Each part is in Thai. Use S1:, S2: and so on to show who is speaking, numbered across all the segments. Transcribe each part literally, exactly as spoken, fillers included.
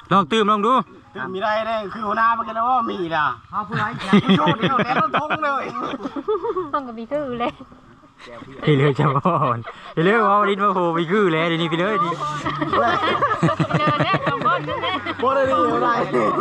S1: ลองตื่มลองดู
S2: ตื่มมีได้เลยคือหัวหน้ามันกันแล้วว่ามีล่ะฮะผู้ใดโชว์เดียวแล้วทงเลย
S3: ต้องกับมีคือเลย
S1: พี่เลยจะบ่อนพี่เลยว่าลิ้นมาโผล่ไปคือแล้วเดี๋ยวนี้พี่เลยดิ
S3: เจอเนี่ยสองคนนั่นแหละ
S2: โคตรดีอะไร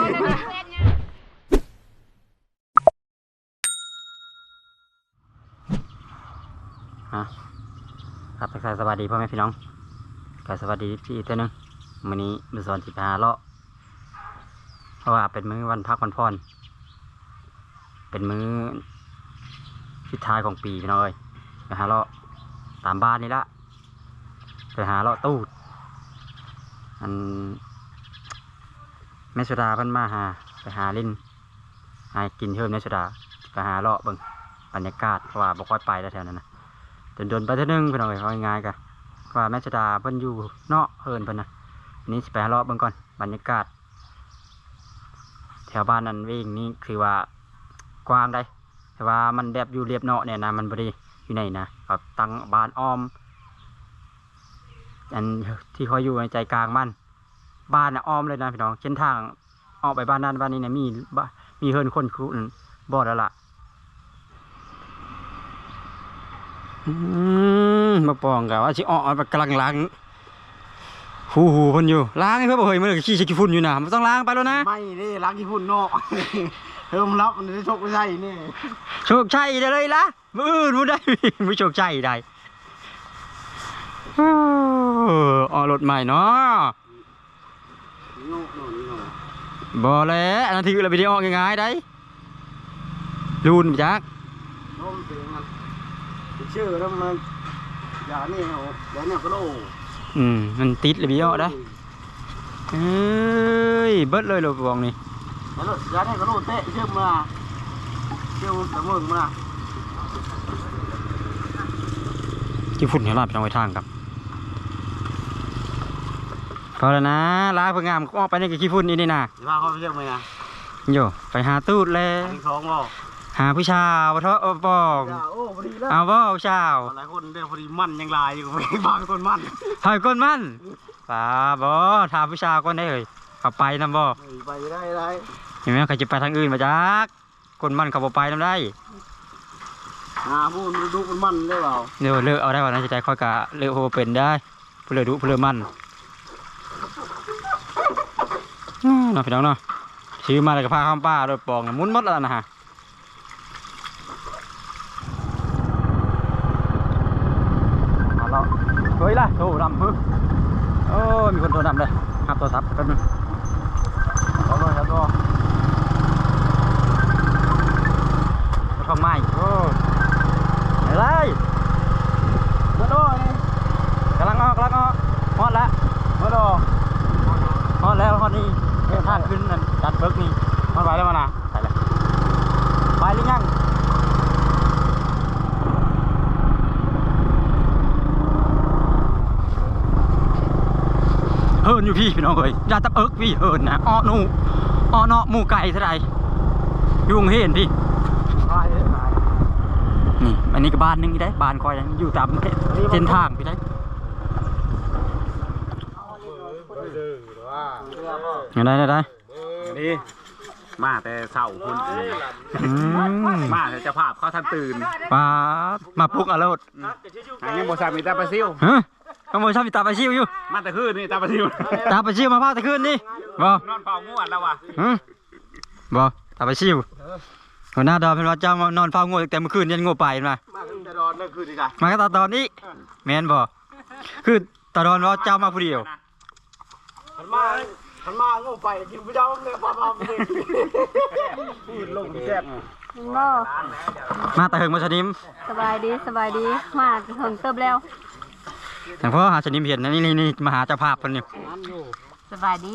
S1: ฮะครับทักทายสวัสดีพ่อแม่พี่น้องก็สวัสดีพี่อีกตัวนึงวันนี้มือสอนสิบห้าเลาะเพราะว่าเป็นมื้อวันพักวันพรเป็นมื้อสุดท้ายของปีพี่น้องเอ้ยไปหาเลาะตามบ้านนี่ละไปหาเลาะตู้อันแม่สุดาเพิ่นมาหาไปหาลิ้นหากินเพิ่มแม่สุดาไปหาเลาะเบิ่งบรรยากาศเพราะว่าบ่ค่อยไปแล้วแถวนั้นนะจนโดนไปเท่านึงพี่น้องเอ้ยเอาง่ายๆกันว่าแม่สุดาเพิ่นอยู่เนาะเฮินเพิ่นนะนี่สิไปหาเลาะเบิ่งก่อนบรรยากาศแถวบ้านนั้นวิ่งนี่คือว่ากว้างได้แต่ว่ามันแบบอยู่เรียบเนาะเนี่ยนะมันบ่ได้อยู่ไหนนะแบบตั้งบ้านอ้อมอันที่เขาอยู่ในใจกลางบ้านบ้านน่ะอ้อมเลยนะพี่น้องเส้นทางออกไปบ้านนั้นบ้านนี้เนี่ยมีมีเฮินคนคุนบ่แล้วล่ะอืมมาปองกับว่าสิออกไปกำลังล้างหูหูเพิ่นอยู่ล้างให้เพื่อนบ่เฮ้ยมันขี้ใส่ขี้ฝุ่นอยู่นะมันต้องล้างไปแล้วนะ
S2: ไม่นี่ล้างขี้ฝุ่นเนาะเพิ่มรับมันจะโชคไม่ใช่นี่
S1: โชคชัยได้เลยล่ะมืออื่นมือได้มือโชคชัยได้ออกรถใหม่เนาะบ่แล้วอันนั้นที่เราไปที่ออกง่ายๆได้รูนจัก
S2: ชื่อแล้วมันอย่านี่เหรออย่าเนี่ยก็โล
S1: อืมมันติดเลยพี่อ้อได้เอ้ยเบิดเลยรถบองนี่
S2: อย่าโลอย่าเนี่ยก็โลเตะเชื่อมมาเชื่อมเสมอมา
S1: ที่ฝุ่นเห็นลาบไปทางไว้ทางครับพอแล้วนะล้างเพื่องามก็ออกไปในกับขี้ฝุ่นนี่นี่นะ
S2: จะพาเขาไปเชื่อมไหมนะ
S1: โย่ไปหาตูดเลยหาผู้ชาวเถอะบอกเอาบ่ผู้ชาว
S2: หลายคนเดี๋ยวพอดีมั่นยังลายอยู่ไปบางคนมั่น
S1: เฮ้ยคนมั่นป่าบ่ถามผู้ชาวก็ได้เลยขับไปนำบ่
S2: ไปได้ได้
S1: เห็นไหมใครจะไปทางอื่นมาจักคนมั่นขับไปนำได้
S2: หาผู้ดูคนมั่นได้เปล่า
S1: เดี๋ยวเลิกเอาได้ก่อนนะจะใจค่อยกะเลิกโหเป็นได้ผู้เลิกดูผู้เลิกมั่นน้องพี่น้องเนาะซื้อมาเลยกับผ้าข้ามป้าโดยปองมุนมดแล้วนะฮะเฮ้ยล่ะโทรดำฮึโอ้มีคนโทรดำเลยหับโทรศัพท์แป๊บนึง
S2: เอาเลยครับก็
S1: ทำไมโอ้อะไร
S2: มาดูนี่
S1: กำลังออกกำลังออกฮอดแล้ว
S2: มาดู
S1: ฮอดแล้วฮอดนี่เดินทางขึ้นดันเบิกนี่ฮอดไปแล้วมานะไปเลยไปหรือยังเฮินอยู่พี่พี่น้องเอ้ยอย่าตับเอิกพี่เฮินนะอ้อนูอ้อเนาะหมูไก่เท่าไรยุ่งเห็นพี่นี่อันนี้ก็บ้านนึงได้บ้านคอยอยู่ตามเส้นทางพี่ได้ได้ได้ได้
S2: นี่มาแต่เสาคุณมาแต่จะภาพเขาทันตื่น
S1: ป้ามาปลุกอารมณ์
S2: อันนี้โมซามิตาปาซิล
S1: ฮะขโมยชอบมีตาปลาชิวอยู่
S2: มาแต่คืนนี่ตาปลาชิว
S1: ตาปลาชิวมาพาแต่คืนนี่บ่
S2: นอนเฝ้าง่วงแล้ววะ
S1: บ่ตาปลาชิวหัวหน้าดอนเป็นว่าเจ้ามานอนเฝ้าง่วงแต่เมื่อคืนยันง่วงไปมา
S2: มาตั้งแต่ดอนเมื่อคืนดีกัน
S1: มาก็ตาดอนนี้แมนบ่คือตาดอนว่าเจ้ามาผู้เดียว
S2: ขันมาขันมาง่วงไปกินผู้เจ้าเนี่ยพาพาไปพูดลงแซ่บ
S3: บ่
S1: มาแต่เฮงมาชนิม
S3: สบายดีสบายดีมาเฮงเติบแล้ว
S1: ทางพ่อหาชนิมเห็นนะนี่นี่นี่มาหาเจ้าภาพคนนี้
S3: สบายดี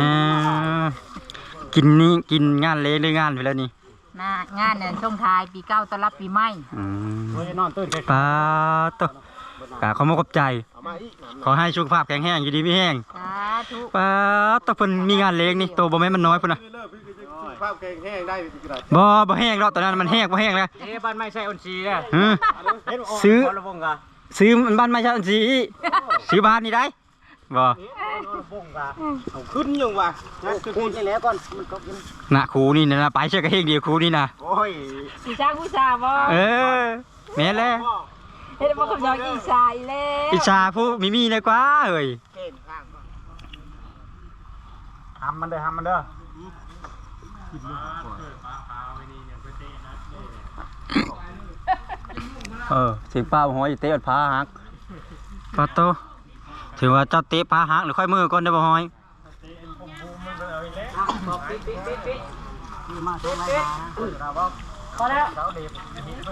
S1: กินนี่กินงานเลี้ยงหรืองานไปแล้วนี่
S3: น่างานเนี่ยช่วงท้ายปีเก้าต้อนรับปีใหม่
S1: ป้าตัวกะเขามาขอบใจขอให้สุขภาพแข็งแรงอยู่ดีไม่แห้งป้าตัวเพิ่นมีงานเลี้ยงนี่ตัวบ่แม่มันน้อยพุ่นนะ
S2: ภาพแข็งแห้งได้
S1: บ่บ่แห้งแล้วตอนนั้นมันแห้งบ่แห้งแล้ว
S2: เอ๊ะบ้านไม่ใช่อนซีอ่ะ
S1: ซื้อซื้อมันบ้านไม่ใช่อนซีซื้อบ้านนี่ได้บ่
S2: เอาขึ้นยังวะงั้นคือขึ้นนี่แล้วก่อนมันก็กิน
S1: น่ะครูนี่นะไปเชื่อกันเองเดียวครูนี่นะ
S2: โอ้ย
S3: อีชาผู้ชาบ่
S1: เออแม่นแล้ว
S3: เฮ็ดบ่คำยองอีชาอีแล้ว
S1: อิชาผู้มีมีนะกว่าเอ้ย
S2: เก่งข้างทำมันเด้อทำมันเด้อ
S1: เออเสียงป้าหอยเตะพาหักปาโตถือว่าเจ้าเตะพาหักหรือค่อยมือก่อนได้บ่หอย
S2: มาเต้นอะไรมาเราบอก
S3: พอแล้ว
S2: เราเด็บ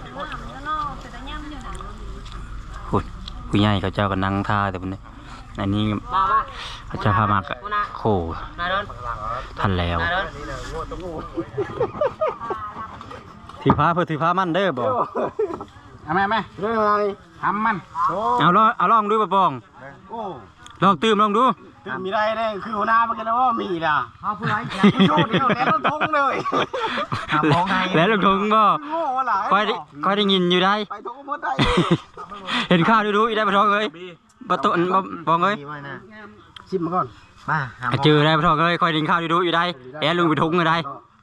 S1: คุณผู้ใหญ่เขาเจ้าก็นั่งท่าแต่พุ่นนี่อันนี้เขาเจ้าพามากะโคทันแล้วถือพาเพื่อถือพามันเด้อบ่
S2: เอาไหมไหมเรื่องอะไรทำมัน
S1: เอาลองเอาลองดูบ่ปอง
S2: โอ้
S1: ลองตื่มลองดู
S2: ตื่นมีได้เลยคือหัวหน้ามันกันแล้วว่ามีนะเอาผู้ไรโชว์เดียวแล้วต้องทงเลยมองไง
S1: แล้วลงทงบ่
S2: โง่วะหล่ะ
S1: ค่อยได้ค่อยได้ยินอยู่ได้
S2: ไปทงหมดได้
S1: เห็นข้าวดูดูอีได้บ่ทองเอ้ยบ่ตุนบ่ปองเอ้ย
S2: ชิมมาก่อนมา
S1: เจอได้บ่ทองเอ้ยค่อยได้ยินข้าวดูดูอยู่ได้แอลุงไปทงเลยได้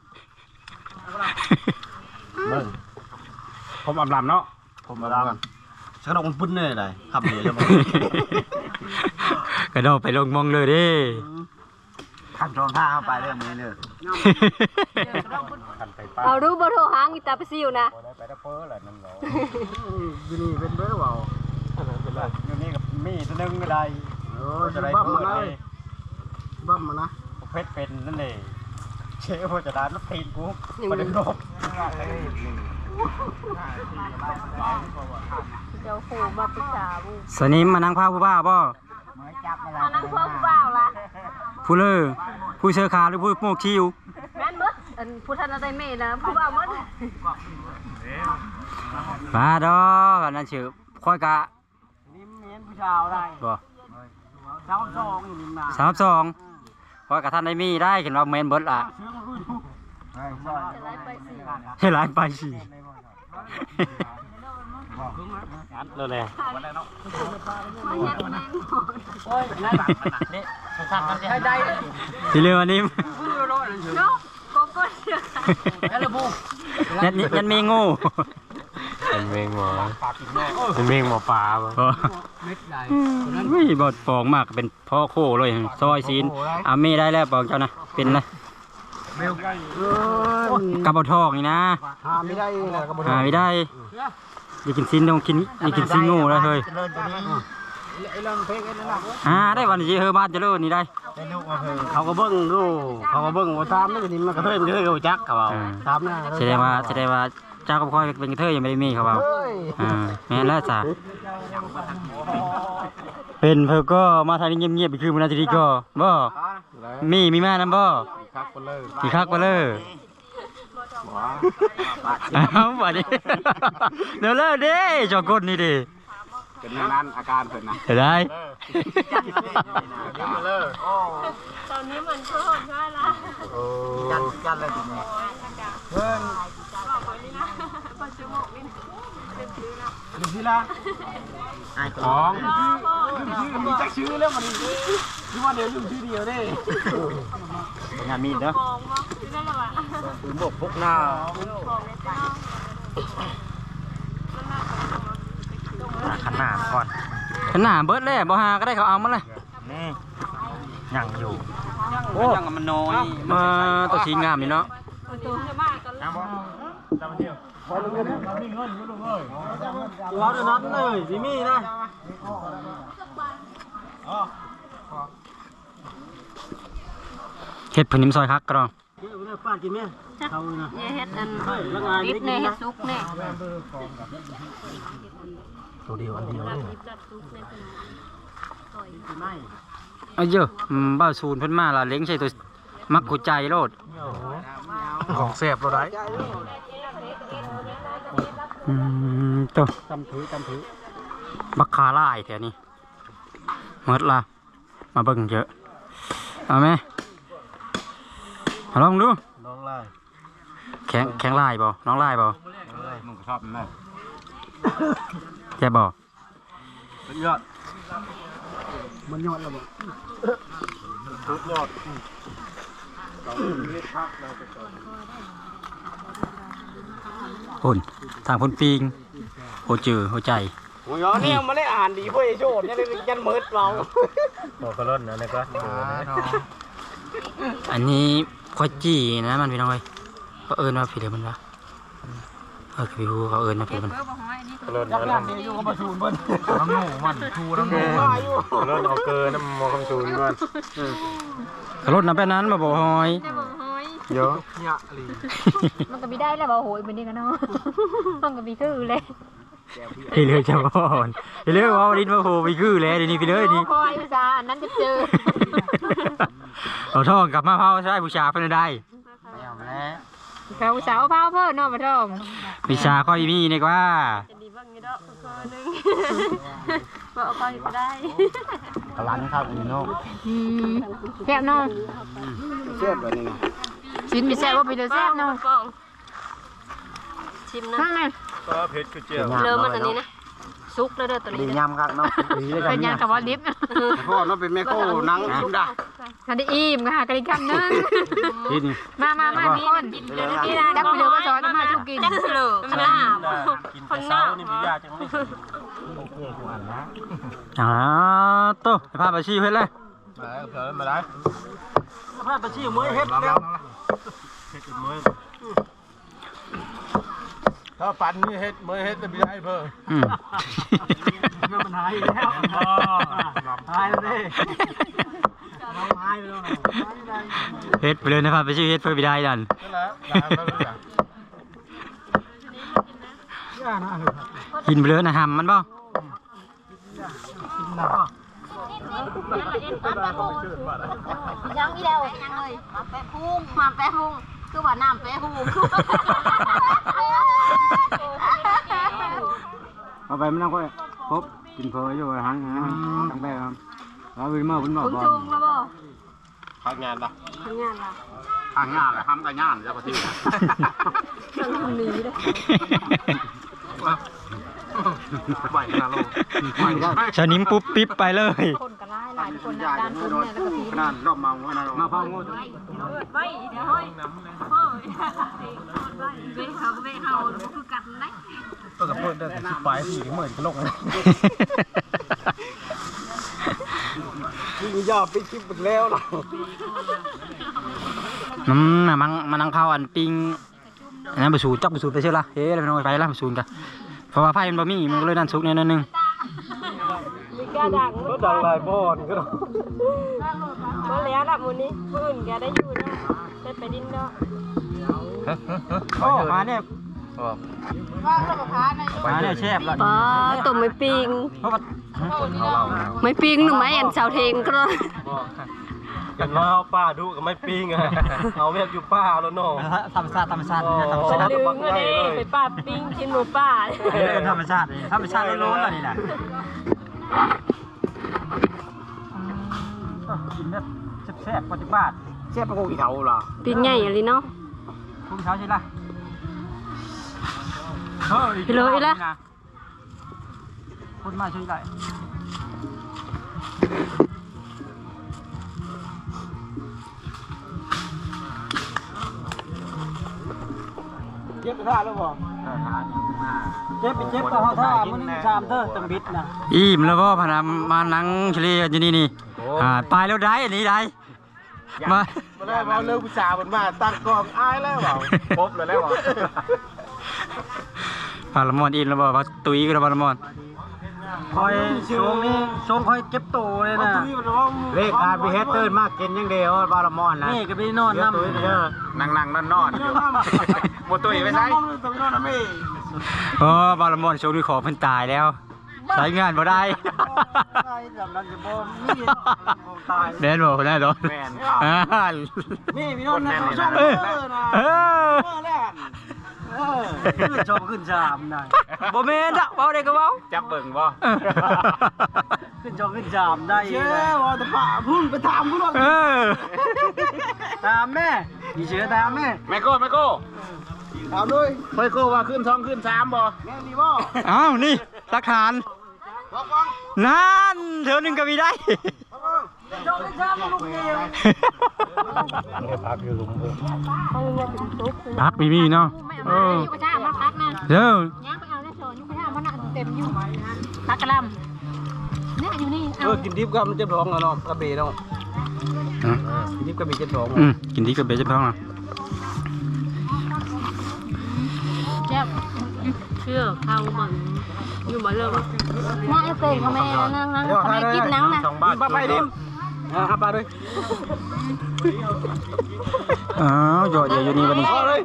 S2: ผมอาบน้ำเนาะผมอาบน้ำฉันเอามันปุ้นเลยได้ขับเลยจะบอก
S1: กระโดดไปลงมองเลยดิ
S2: ขับจองท่าเข้าไปเรื่องนี้เลย
S3: เอาดูบ่โทรหางอีตาไปซิวนะ
S2: ไปได้เพ้อแหละนั่นเหรออยู่นี่เป็นเบ้อเปล่าอยู่นี่กับมีตัวนึงก็ได้เออจะได้เพ้อเลยบั้มมานะเพชรเป็นนั่นเลยเชื่อพอจะได้ลูกทีนกูประเด็นโลก
S3: เจ้าขู่มาปรึกษาบุ
S1: สนิมมานั่งพาผู้บ้าบ่
S3: มานั่งเพิ่มเปล่าล่ะ
S1: ผู้เลอผู้เชือขาหรือผู้โมกคิว
S3: แม่นเบิดอันผู้ท่านอะไรเมย์นะผู้บ่าวหมด
S1: มาดอกอันนั้นชื่อค่อยกะ
S2: นี่เมียนผู้ชายได้
S1: บ่
S2: สามสองอยู่นี่มา
S1: สามสองค่อยกะท่านได้มีได้เห็นว่าเมนเบิดล่ะ
S2: ใช่ใช่
S3: จะไล่ไปสิ
S1: ให้หลายไปสิเลยเลย
S3: มาเฮ็ดแม่งหมด
S2: โอ้ยนั่นแบบนี่สั่งกันให้ได้
S1: ทีเรือวันนี้
S3: เนาะโกโก้เชื่อ
S2: แล้วลูก
S1: ยันยันมีงู
S4: เป็นเมงหมอ
S2: ปากกินแม่
S4: เป็นเมงหมอปลาบ่
S1: บ่ไม่บดฟองมากเป็นพ่อโคเลยซอยซีนอามีได้แล้วบอกเจ้านะเป็นนะ
S2: เบล
S1: กระบอกทองนี่นะ
S2: หาไม่ได้เลยกระบอก
S1: หาไม่ได้อยากกินซีนต้องกินอยากกินซีนงูแล้วเฮ้ย
S2: เลินตัวนี้ไอ้เรื่องเพลงไอ้นั่นน่ะ
S1: อ่าได้วันนี้เฮอบ้านจะเลิศนี่ได้
S2: ไอ้ลูกมาคือเขาก็เบิ้งดูเขาก็เบิ้งว่าตามนี่ก็นี่มันก็เทิดมันก็เทิดเขาจักเขาเอาตามนะ
S1: แสดงว่าแสดงว่าเจ้ากับพ่อยเป็นกระเทยยังไม่ได้มีเขาเอา
S2: เฮ้ย
S1: อ่าแม่นแล้วจ้ะเป็นเพื่อก็มาทางนี้เงียบๆไปคือมันนาทีก็บ่มีมีมานํบ่
S2: คักไปเลย
S1: สิคักบ่เลยเอ้าบัดนี้เดี๋ยวเลิกดิจอกคนนี่ดิ
S2: เป็นนั้นอาการเพิ่นนะ
S1: เห็นได้
S3: ตอนนี้มันโคตรง่ายละ
S2: จันจันเลยทีนี้เพิ่น
S3: ปัจจุบันนี่เต็มที่ละ
S2: ดูสิล่ะไอ้ของชื่อมีจักชื่อแล้วมันที่ว่าเดี๋ยวลืมชื่อเดียวเด้งานมีดเด้อ
S3: มองว่านั่นแหละวะ
S2: ถึงบอกพกหน้าม
S3: องในตา
S2: ขันหน้าก่อน
S1: ขนาดเบิดเลยบ่หาก็ได้เขาเอามาเลย
S2: นี่ยังอยู่
S1: โอ้ยังมันน้อยมาตัวสีงามนี่เนาะ
S3: ตัวจะมากกันแล้ว
S2: เราจะนัดเลยสิมีนะ
S1: เฮ็ดผนิมซอยคักกระดอง
S2: ป้ากินไหมเขานะ
S3: เฮ็ดอันดิบเนี่ยเฮ็ดซุกเนี่ย
S2: ตัวเดียวอันเดียวเลย
S1: เอาเยอะอืมบ้าศูนย์เพิ่นมาล่ะเล้งใช่ตัวมักหัวใจโลด
S2: ของแสบเราได้
S1: อืมตัว
S2: จำถือจำถือ
S1: บักคาล่ายแถวนี้หมดละมาเบิ่งเยอะเอาไหมเอาลองดู
S2: น้องไล่
S1: แข็งแข็งลายบ่น้องลายบ่
S2: มึงชอบไหม
S1: แค่บ่
S2: เป็นยอดมันยอดแล้วบ่ทุกยอดเราเรียกพักเราไปก่อน
S1: พุ่นทางพุ่นปิงโหจือโหใจ
S2: โอ้ยเนี่ยมาได้อ่านดีเพื่อโชดยันยันเมิดเรา
S4: โอ้ก็ล้นนะนี่ก็
S1: อันนี้ข้อยจี้นะมันพี่น้องเอ้ยเขาเอิ้นว่าผิดเลยมันวะเออพี่ฮูเขาเอิ้นว่าผิดมัน
S4: ก็ล้น
S2: ยักษ์
S4: นะ
S2: ยันดีอยู่กับมาชูนเบิ้ล
S4: น้ำหมูมันทูน้ำหมูก็ล้นเอาเกินน้ำมอคำชูนก่อน
S1: เขาลดน้ำแป้นั้นมาบอกหอย
S3: ได้บอกเฮ้ย
S4: เยอะ
S3: มันก็ไม่ได้แล้วบอกโหยเป็นนี่กันเนาะมันก็มีคือเลย
S1: พี่เลยจะบอนพี่เลยว่าลิ้นมาโหพี่คือแล้วเดี๋ยวนี้พี่เลยนี่
S3: คอยอุตส่าห์อันนั้นจะเจอ
S1: เอาท่องกลับมาเผาใช้บูชาเพื่อนได้
S3: เขาอุตส่าห์เอาเผาเพิ่นเนาะมาท่อง
S1: วิชาค่อยมีนี่กว่า
S3: จะดีบ้างนี่ดอกก็นึงบอกเอาไปก็ได้
S2: พลังครับอีโน่
S3: อืมแซ่บเนาะ
S2: เชื่อแบบนี้นะ
S3: ชิ้นมีแซ่บว่าไปเดือแซ่บเนาะชิมนะนั่นไง
S4: ก็เพชรคือเจียว
S3: เริ่มมันอันนี้นะซุกแล้วเด้อตัว
S2: ดี
S3: นี้
S2: ยำครับเนาะ
S3: เป็นยังกับว่าลิฟต์
S2: พ่อเนาะเป็นแม่โค้นังชิมได้
S3: ทันได้อิ่มค่ะกระดิ่งคำนึง
S1: กิน
S3: มามามามีคนดักไปเดือมาสอนมาชูกินดักไปเลยข้างหน้า
S4: กินแต่เช้านี่พี่ยาจังไม่
S1: อ๋อโตไปพาไปชี้เพื่อนเลย
S4: มาแล้วเผื่อมาได้
S2: พาไปชี้มือเฮ็ดแล้ว
S4: เฮ็ดมือถ้าปั่นนี่เฮ็ดมือเฮ็ดจะไม่ได้เพิ่ม
S1: อืม
S2: มันหายแล้วหายแล้วดิหายแล้ว
S1: เฮ็ดไปเลยนะพาไปชี้เฮ็ดเพื่อไปได้ดัน
S4: นั่นแหละได้แล้วจ้ะ
S2: ย่านะ
S1: กินไปเลยนะหำมันบ่
S3: ยังมีแล้วยังเลยมาแปะพุงมาแปะพุงคือว่าน้ำแปะพุง
S2: เอาไปมันนั่งค่อยครบกินเพออยู่หังตั้งแต่ครับเราไปมาคุณหมอ
S3: พุง
S2: บอก
S3: จุงแล้วบ่
S4: พักงานปะ
S3: ทำงานละ
S2: ทางงานแหละทำแต่งานจะปฏิบัติ
S3: ต้องทำนี้เลย
S2: ไหวนะลูกไหว
S1: ชานิ้มปุ๊บปิ๊บไปเลย
S3: คนก็ไล่หลายคนนะด้านคนเนี่ยแล้วก็พี
S2: นั่นรอบเมานะมาฟังงู
S3: ไปเดี๋ยวเฮ้ยเฮ้ยเบ้เขาเบ้เขาคือกัดได้
S4: ก็กับเพื่อนได้สิบปลายสี่ถึงหมื่นกิโลเลย
S2: ยิงยาไปชิบหมดแล้วนะ
S1: น้ำมันมันนั่งเข้าอันปิงอันนั้นไปสูดจับไปสูดไปเชื่อละเฮ้ยอะไรไปน้อยไปละไปสูดกันเพราะว่าไพ่มันบะมี่มันก็เลยนั่นซุกเนี่ยนั่นนึง
S3: มีกระดัง
S2: ก็ดังลายบอนก็
S3: ก็แล้วละมูนี้ผู้อื่นแกได้อยู่เนาะได้ไปดินเนาะ
S1: โอ้มาเนี่ย
S3: ว่างระบบพาใน
S1: มาเนี่ยแช่บละ
S5: ป้าต้มไม่ปิง
S1: เพราะว่า
S5: ไม่ปิงหรือไม่อันเสาเทงก็
S4: กันว่าเอาป้าดูกับไม่ปิ้งอะเอาแบบอยู่ป้าแล้วเนาะ
S1: ธรรมชาติธรรมชาติธรรมชาติ
S3: ดึงมาดิไปป้าปิ้งกินหมูป่า
S1: เออธรรมชาติธรรมชาติล้วนๆเลยนี่แหละกินแบบแซ่บๆปฏิบัติ
S2: เชฟเป็นกูกี่เท่าล่ะ
S5: ปิงใหญ่อะไรเนาะ
S1: พุ่งเช้าใช่ละ
S5: ไปเลยอีละ
S1: พุ่งมาช่วยได้
S2: เชฟไปท่าแล้วบ่เชฟไปเชฟต่อท่ามันนี่ชามเธอตังบิดนะ
S1: อิ่มแล้วก็พนันมานั่งเฉลี่ยอยู่นี่นี่อ่าไปแล้วได้อันนี้ได้มา
S4: มาได้มาเลิกผู้ชายมันมาตั้งกองอายแล้วเปล่าครบเลยแล้วเปล่า
S1: พาลมอนอิ่มแล้วบอกว่าตุยกับพาลมอน
S2: คอยช่วงนี้ช่วงคอยเก็บตัวเลยนะเลขการไปเฮ็ดเติร์นมากกินยังเดียวบาลมอนนะนี่ก็ไปนอนน้ำนั่งนั่งนอนนอนอยู่หมดตัวอีกไปใช่ตัวนอนนะมี่
S1: เออบาลมอนโชว์ดูขอเพิ่นตายแล้วใช้งานบ่ได้ แม่นบ่คนได้ดอก
S2: แม่น
S1: อ่า
S2: นี่พี่นอนนะช่อง
S1: เอ
S2: เอ
S1: อ
S2: อนะ
S1: เออ
S2: เออเออขึ้นชมขึ้นชามได้
S1: บ่แม่นดอกเว้าได้ก็เว้า
S4: จับเบิ่งบ่
S2: ขึ้นชมขึ้นชามได้เชื่อว่าแต่ป่าพุ่งไปถามกูหรอก
S1: เออ
S2: ถามแม่มีเชื่อถามแม่
S4: แม่โก้แม่โก้
S2: ถามด้วย
S4: เฮ้ยโก้ว่าขึ้นท้องขึ้นสามบ่
S2: แม่ดีบ่
S1: อ้าวนี่หลักฐาน
S2: บอกฟัง
S1: นั่นเดี๋ยวหนึงก็มีได้
S2: พักอยู่หลุมเพิ่ม
S1: พักมีมีเนาะเออ
S3: อยู่กระชากมาพักนะ
S1: เด้อ
S3: ย่างไปเอาได้โซนอยู่กระชากมาหนักเต็มอยู่พักกระลำเนี่ยอยู่นี่
S4: เออกินดิบก็มันเจ็บท้องแล้วเนาะกระเบนเนาะ
S1: ฮะ
S4: กินดิบกระเบนเจ็บท้อง
S1: อืมกินดีกับเบสจะพ้องนะ
S3: เจ็บ
S5: เชื่อเขาบังอยู่บ่เลิก
S3: น่าจะเป็นทำไมนั่งนั่งทำไมกินนังนะ
S2: สองบ้าน
S4: ปลาไปดิอ่าปลาด้วย
S1: อ้าวหยอดเดี๋ยวอยู่นี่วันนี้
S4: พอเลย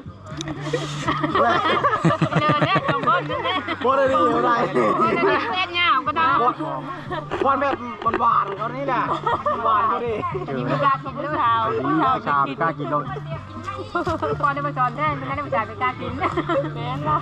S3: เดินเนี่ยสองคนนั่นแหละ
S4: พอเลยดิอะไร
S3: คนนั้นเล่นยาวก็ได้
S4: พอนแบบหวานๆเขานี่แหละหวานเขาดิ
S3: มีมีกากินหรือเปล่า
S1: นี่ชามกล้ากินลง
S3: พอได้มาสอนแท้ไม่ได้มาจ่ายไปกากินแม่นละ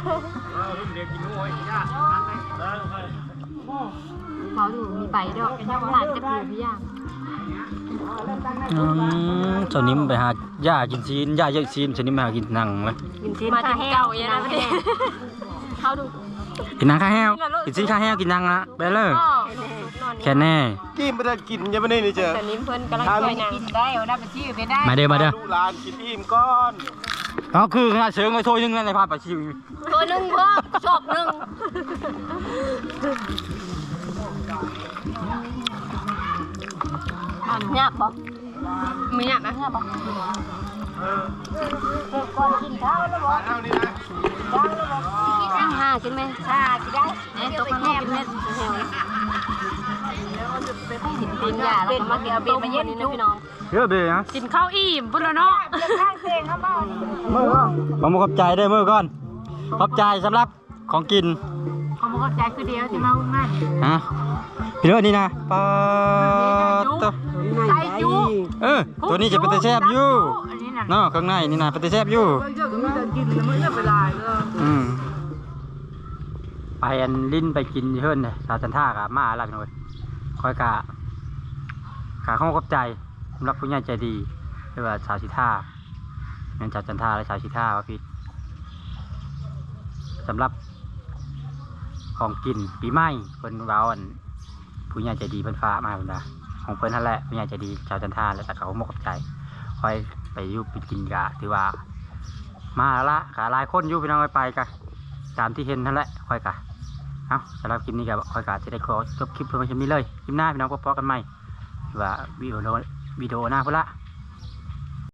S3: เขาดูมีไปด้วยหลานจะผิวพี่ย่าง
S1: อืมเจ้านิ่มไปหาหญ้ากินซีนหญ้าเยอะซีนเจ้านิ่มไปหากินหนังเลย
S5: กินซีนข้าแห้วอย่างนั้นเลย
S3: เขาดู
S1: กินหนังข้าแห้วกินซีนข้าแห้วกินหนังละไปเลยแค่แน่
S4: กินไม่ได้กินยังไม่ได้นี่เจอ
S5: แต่นิ้มเพิ่นกำลังช่วยนาง
S3: กินได้เอาได้ไปชื่อไปได้
S1: มาเด้อมาเด้อ
S4: ดูร้านกินอิ่มก้อน
S1: อ๋อคือขนาดเชิงไว้ถ้วยนึงแล้วในภาพปะชิว
S5: ตัวหนึ่งพอชอบหนึ่ง
S3: ยากบอก
S5: ไม่อยากนะ
S3: ยากบอกก่อนกินข้าวแล้วบอก
S4: เอานี่นะ
S5: ข้างห้ากินไหม
S3: ชากินได้
S5: เนี่ยตัวมันแห้วกินเม็ดแห้วกินยาแล้วก็มากินต้มวันนี้นะพี่น้อง
S1: เยอะเบ้นะ
S5: กินข้าวอิ่มพุ่นแล้วเนาะ
S3: ข้างเสียงครับบ้าน
S1: มือก่อนผมขอบใจเด้อมือก่อนขอบใจสำหรับของกิน
S3: เขาบอกว่าใจคือเดียวที่มาง่าย
S1: ฮะพี่เลิศนี่นะปาตัว
S3: ใส่ยู
S1: เออตัวนี้จะเป็นตะแซบอยู่
S3: อันนี้น่ะ
S1: เนาะข้างในนี่นะเป็นตะแซบอยู่
S3: เยอะก็ไม่ได้กินแล้วไม่ได้เวลาเลย
S1: อืมไปอันลิ้นไปกินเฮิรนเลยสาวจันท่ากะมาอะไรพี่น้อยคอยกะกะเข้าขอบใจสำหรับผู้ใหญ่ใจดีเรียกว่าสาวชิท่าเงินสาวจันท่าและสาวชิท่าว่าพี่สำหรับของกินปีใหม่เพิ่นเว้าอันผู้ใหญ่ใจดีเพิ่นฟ้ากมาเพิ่นว่าของเพิ่นนั่นแหละผู้ใหญ่ใจดีชาวจันท่าและแต่เขาขอบใจคอยไปอยุบไปกินกะถือว่า มาแล้วละกะหลายคนอยู่พี่น้องไปกะตามที่เห็นนั่นแหละค่อยกะเอาสำหรับคลิปนี้กะค่อยกะจะได้ขอจบคลิปเพื่อนชมนี้เลยคลิปหน้าพี่น้องพบกันใหม่ว่าวิดีโอวิดีโอหน้าพุ่นละ